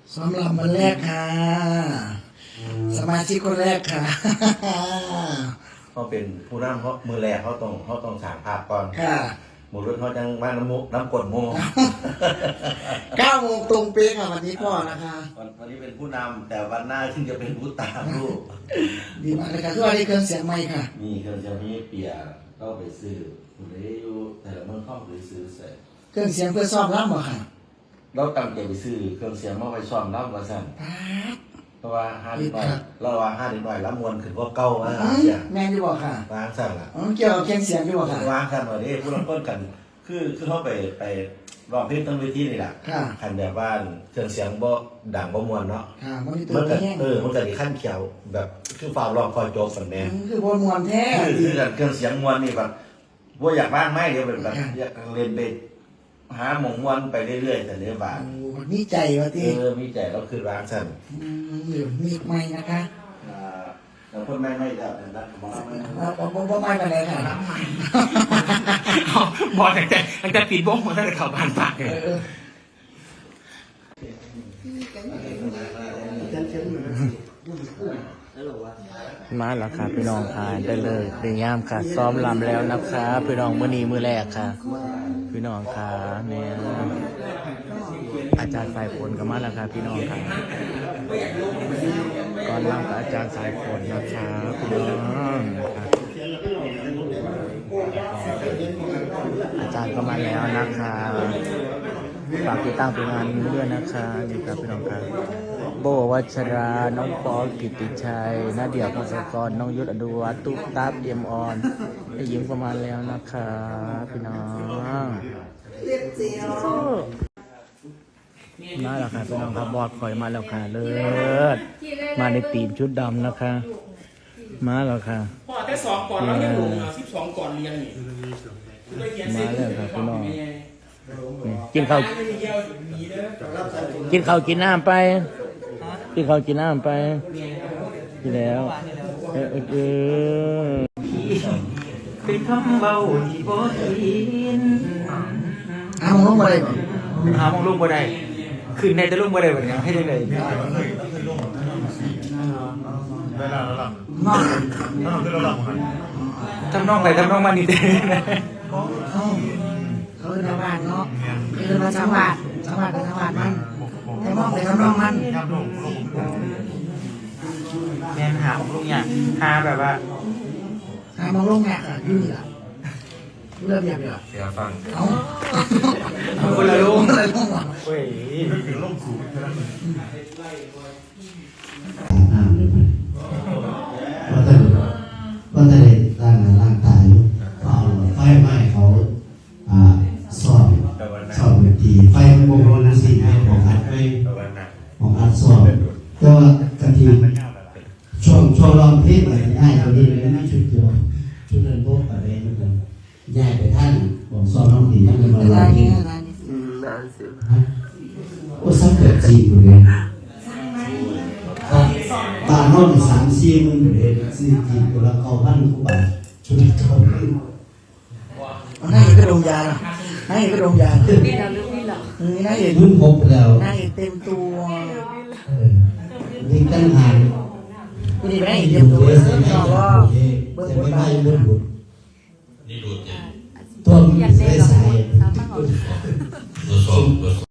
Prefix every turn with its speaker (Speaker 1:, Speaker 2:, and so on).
Speaker 1: สำหรับวันแรกค่ะสมาชิกคนแรกค่ะ
Speaker 2: เขาเป็นผู้นำเขามือแรกเขาต้องสร้างภาพก่อน
Speaker 1: ค่ะ
Speaker 2: หมู่รุ่นเขาจังว่าน้ำกดโม
Speaker 1: 9 โมงตรงเป๊ะค่ะวันนี้พ่อนะคะ
Speaker 2: วันนี้เป็นผู้นำแต่วันหน้าที่จะเป็นผู้ตามลูก
Speaker 1: ดีมากเลยค่ะทุกวันนี้เครื่องเสียงใหม่ค่ะ
Speaker 2: มีเครื่องเสียงมีเปียก็ไปซื้อคุณได้อยู่แต่เมืองเข้าหรือซื้อเสร็จ
Speaker 1: เครื่องเสียงเพื่อซ้อมรับเหรอค่ะ
Speaker 2: เราตั้งใจไปซื้อเครื่องเสียงมาไปซ้อมรับมาสั่นเพราะว่า5 เดือนเราว่า5 เดือนแล้วมวลขึ้นกว่าเก่าว่า
Speaker 1: แม่ที่บอกค่ะ
Speaker 2: วางสั่นล่ะ
Speaker 1: เกี่ยวกับเครื่องเสียงที่บอกค่ะ
Speaker 2: วางสั่นว่านี้ผู้รับต้นกันคือเขาไปร้องเพลงตั้งเวทีนี่แหละคันแบบว่าเครื่องเสียงบ่ดังบ่มวลเนาะ
Speaker 1: มัน
Speaker 2: ก็มันก็ดีขั้นเขียวแบบคือฝ่าร้องคอยโจกสันแน่
Speaker 1: คือบ่มวลแท้
Speaker 2: คือเครื่องเสียงมวลนี่แบบว่าอยากบ้างไหมเดี๋ยวแบบอยากเรียนไปหาหมองมวลไปเรื่อยๆแต่เรื่องบ้าน
Speaker 1: มีใจวะที่
Speaker 2: มีใจเราคือร้านสั่น
Speaker 1: มีไม่นะคะ
Speaker 2: แล้วคนไม่ได้แล้วมอง
Speaker 1: ไม่ไปเลยค่ะ
Speaker 3: บอกตั้งแต่ปิดวงมาตั้งแต่ข่าวผ่านปากเลยมาแล้วค่ะพี่น้องค่ะได้เลยเรียมค่ะซ้อมลำแล้วนะคะพี่น้องมื้อนี้มื้อแรกค่ะพี่น้องค่ะเนี่ยอาจารย์สายฝนก็มาแล้วค่ะพี่น้องค่ะก่อนลำกับอาจารย์สายฝนนะคะพี่น้องค่ะอาจารย์ก็มาแล้วนะคะฝากติดตามผลงานด้วยนะคะนี่ครับพี่น้องครับโบวัชราน้องปอกิติชัยนาเดียพงศกรน้องยุทธอดุวัฒน์ตุ๊กตาเอ็มออนได้ยิ้มประมาณแล้วนะคะพี่น้องมาแล้วค่ะพี่น้องครับบอดคอยมาแล้วค่ะเลิศมาในตีมชุดดำนะคะมาแล้วค่ะ
Speaker 4: พอแต่2 ก่อนแล้วยังลง12 ก่อนเรียนนี่
Speaker 3: มาแล้วค่ะพี่น้องกินข้าวกินน้ำไปกินข้าวกินน้ำไปกินแล้วเป็นคำเบาที่บ่ทิน
Speaker 1: หาโมงลงมาได้ป่ะ
Speaker 3: หาโมงลงมาได้คืนในจะลงมาได้แบบนี้ให้ได้เลย
Speaker 5: ได้แล้วหลังถ้าเราขึ้นเราหลังมั้ง
Speaker 3: ทำน้องไปทำน้องมานี่เด้
Speaker 1: เขาเป็นชาวบ้านเนาะคือมาชาวบ้านเป็นชาวบ้านมันแต่มองแต่ทำนองมัน
Speaker 3: แม่หาของลุงเนี่ยหาแบบว่า
Speaker 1: หามองลงแงอ่ะยุ่งอ่ะเริ่มยังเสี
Speaker 2: ยฟัง
Speaker 1: เอาคนละลง
Speaker 3: เว้ย
Speaker 5: ถึงลงสูง
Speaker 6: ก็จะได้ร่างกายเอาไฟไหม้เขาซ่อมเวทีไฟมันบงรนสิ่งให้ของอัดไม่ของอัดซ่อมก็กะทิช่วงรองเพลงอะไรง่ายตัวนี้เลยนะชุดเดียวชุดเดินพวกอะไรนั่นเลยย้ายไปท่านบอกซ่อมน้องตีนั่นเลยมาเลยโอ้สักเกิดจริงเลยบาทน้อง3-4 หมื่นเลยซื้อจริงตัวละ9,000 กว่าบาทชุดเขา
Speaker 1: ให้ก็ดมยาให้ก็ดมยานี่น่าเห็น
Speaker 6: รุ่นพบแล้ว
Speaker 1: น่าเห็นเต็มตัว
Speaker 6: นี่ตั้งหาง
Speaker 1: นี่ไม่เห็นเต็มตัวเลยก็เบิ้งบนบ่าย
Speaker 6: นี่ดูดตัวมันใส่